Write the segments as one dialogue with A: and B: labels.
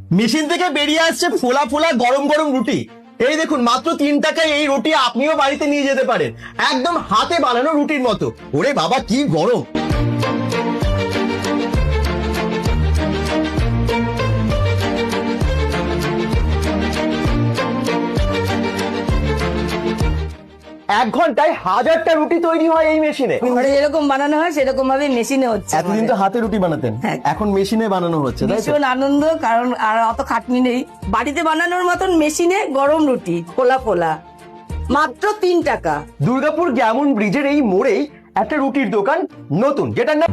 A: Machine থেকে বেরিয়ে আসছে ফোলা ফোলা গরম গরম রুটি। এই দেখুন, মাত্র 3 টাকায় এই রুটি আপনিও বাড়িতে নিয়ে যেতে পারেন, একদম হাতে বানানো রুটির মতো। ওরে বাবা, কি গরম! এক ঘন্টায় 1000টা রুটি তৈরি হয় এই মেশিনে।
B: ঘরে যেরকম বানানো হয় সেরকম ভাবে মেশিনে হচ্ছে।
A: এতদিন তো হাতে রুটি বানাতেন,
B: হ্যাঁ।
A: এখন মেশিনে বানানো হচ্ছে, তাই তো?
B: ভীষণ আনন্দ, কারণ আর অত খাটনি নেই। বাড়িতে বানানোর মতন মেশিনে গরম রুটি ফোলা ফোলা, মাত্র 3 টাকা।
A: দুর্গাপুর গ্যামন ব্রিজের এই মোড়েই একটা রুটির দোকান নতুন, যেটার নাম।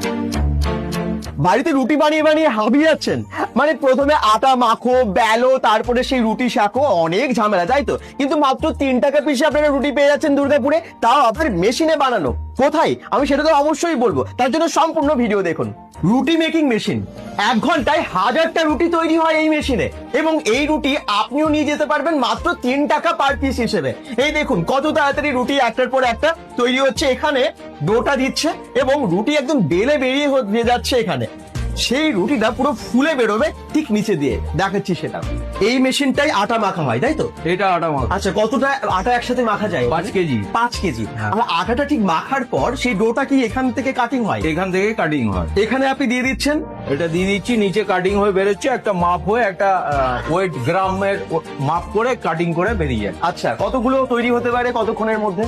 A: বাড়িতে রুটি বানিয়ে বানিয়ে হাবিয়ে যাচ্ছেন, মানে প্রথমে আটা মাখো, বেলো, তারপরে সেই রুটি শাকো, অনেক ঝামেলা, তাই তো? কিন্তু মাত্র 3 টাকা পিসে আপনারা রুটি পেয়ে যাচ্ছেন দুর্গাপুরে, তাও আপনার মেশিনে বানানো। কোথায়, আমি সেটা তো অবশ্যই বলবো, তার জন্য সম্পূর্ণ ভিডিও দেখুন। রুটি মেকিং মেশিন, 1 ঘন্টায় 1000টা রুটি তৈরি হয় এই মেশিনে, এবং এই রুটি আপনিও নিয়ে যেতে পারবেন মাত্র 3 টাকা পার পিস হিসেবে। এই দেখুন কত তাড়াতাড়ি রুটি একটার পর একটা তৈরি হচ্ছে। এখানে ডোটা দিচ্ছে এবং রুটি একদম বেলে বেরিয়ে যাচ্ছে এখানে। সেই রুটিটা পুরো ফুলে বেরোবে ঠিক নিচে দিয়ে, দেখাচ্ছি সেটা। এই মেশিনটাই আটা মাখা হয়, তাই তো?
C: এটা আটা মাখা।
A: আচ্ছা, কতটা আটা একসাথে মাখা যায়?
C: 5 কেজি।
A: 5 কেজি।
C: হ্যাঁ।
A: আর আটাটা ঠিক মাখার পর সেই ডোটা কি এখান থেকে কাটিং হয়?
C: এখান থেকে কাটিং হয়।
A: এখানে আপনি দিয়ে দিচ্ছেন,
C: এটা দিয়ে দিচ্ছি, নিচে কাটিং হয়ে বেরোচ্ছে, একটা মাপ হয়ে একটা ওয়েট গ্রামের মাপ করে কাটিং করে বেরিয়ে যায়।
A: আচ্ছা, কতগুলো তৈরি হতে পারে কতক্ষণের মধ্যে?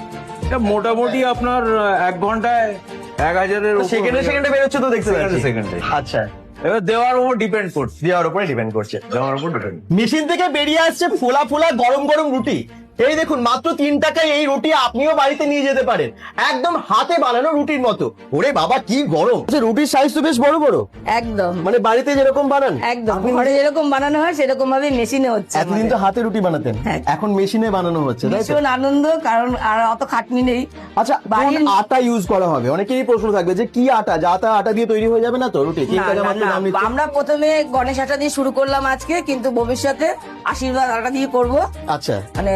C: এটা মোটামুটি আপনার 1 ঘন্টায় 1000-এর উপর
A: সেকেন্ডে সেকেন্ডে বেরোচ্ছে তো দেখতে পাচ্ছি।
C: সেকেন্ডে।
A: আচ্ছা,
C: এবার দেওয়ার উপর ডিপেন্ড করছে।
A: দেওয়ার উপরে ডিপেন্ড করছে।
C: দেওয়ার উপর ডিপেন্ড।
A: মেশিন থেকে বেরিয়ে আসছে ফোলা ফোলা গরম গরম রুটি। এই দেখুন, মাত্র 3 টাকায় এই রুটি আপনিও বাড়িতে নিয়ে যেতে পারেন, একদম হাতে বানানো রুটির মতো। ওরে বাবা, কি গরম! আচ্ছা, রুটির সাইজ তো বেশ বড় বড়,
B: একদম
A: মানে বাড়িতে যেরকম বানান
B: একদম
A: আপনি
B: ঘরে যেরকম বানানো হয় সেরকম ভাবে মেশিনে হচ্ছে।
A: এতদিন তো হাতে রুটি বানাতেন,
B: হ্যাঁ।
A: এখন মেশিনে বানানো হচ্ছে, তাই তো?
B: ভীষণ আনন্দ, কারণ আর অত খাটনি নেই।
A: আচ্ছা, কোন
B: বাড়ির-
A: আটা ইউজ করা হবে? অনেকেরই প্রশ্ন থাকবে যে কি আটা, যা তা আটা দিয়ে তৈরি হয়ে যাবে না তো রুটি? 3
B: না,
A: টাকা
B: না,
A: মাত্র
B: না,
A: দাম নিচ্ছে।
B: আমরা প্রথমে গণেশ আটা দিয়ে শুরু করলাম আজকে, কিন্তু ভবিষ্যতে আশীর্বাদ আটা দিয়ে করব।
A: আচ্ছা,
B: মানে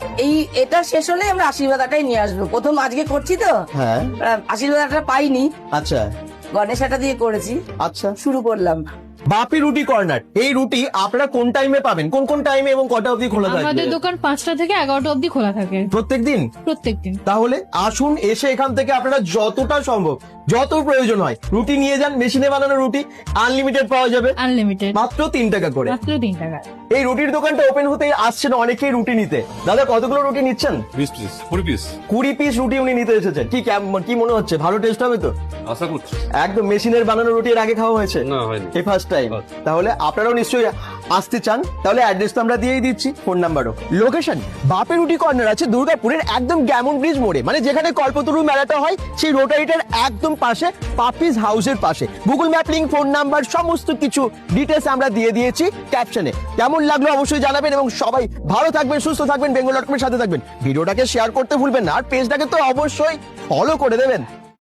B: এটা শেষ হলে আমরা আশীর্বাদ আটাই নিয়ে আসবো। প্রথম আজকে করছি তো,
A: হ্যাঁ,
B: আশীর্বাদ আটা পাইনি,
A: আচ্ছা,
B: গণেশ আটা দিয়ে করেছি,
A: আচ্ছা।
B: শুরু করলাম।
A: বাপি রুটি কর্নার, এই রুটি আপনারা কোন টাইমে পাবেন, কোন কোন টাইমে এবং কটা অবধি খোলা
D: আমাদের
A: থাকবে?
D: দোকান 5টা থেকে 11টা অবধি খোলা থাকে
A: প্রত্যেকদিন?
D: প্রত্যেকদিন।
A: তাহলে আসুন, এসে এখান থেকে আপনারা যতটা সম্ভব, যত প্রয়োজন হয় রুটি নিয়ে যান। মেশিনে বানানো রুটি আনলিমিটেড পাওয়া যাবে,
D: আনলিমিটেড,
A: মাত্র 3 টাকা করে।
D: মাত্র 3 টাকা।
A: এই রুটির দোকানটা ওপেন হতে আসছেন অনেকেই রুটি নিতে। দাদা, কতগুলো রুটি নিচ্ছেন?
E: 20 পিস 20 পিস
A: 20 পিস রুটি উনি নিতে এসেছেন। কি মনে হচ্ছে, ভালো টেস্ট হবে তো?
E: আশা করছি।
A: একদম মেশিনের বানানো রুটি এর আগে খাওয়া হয়েছে?
E: না, হয়নি।
A: এই ফার্স্ট টাইম। তাহলে আপনারাও নিশ্চয়ই আসতে চান, তাহলে অ্যাড্রেস তো আমরা দিয়েই দিচ্ছি, ফোন নাম্বারও। লোকেশন বাপি রুটি কর্নার আছে দুর্গাপুরের একদম গ্যামন ব্রিজ মোড়ে, মানে যেখানে কল্পতরু মেলাটা হয় সেই রোটারিটার একদম পাশে, পাপিস হাউসের পাশে। Google map link, phone number, সমস্ত কিছু ডিটেলস আমরা দিয়ে দিয়েছি ক্যাপশনে। কেমন লাগলো অবশ্যই জানাবেন, এবং সবাই ভালো থাকবেন, সুস্থ থাকবেন, বেঙ্গল.com এর সাথে থাকবেন। ভিডিওটাকে শেয়ার করতে ভুলবেন না, আর পেজটাকে তো অবশ্যই ফলো করে দেবেন।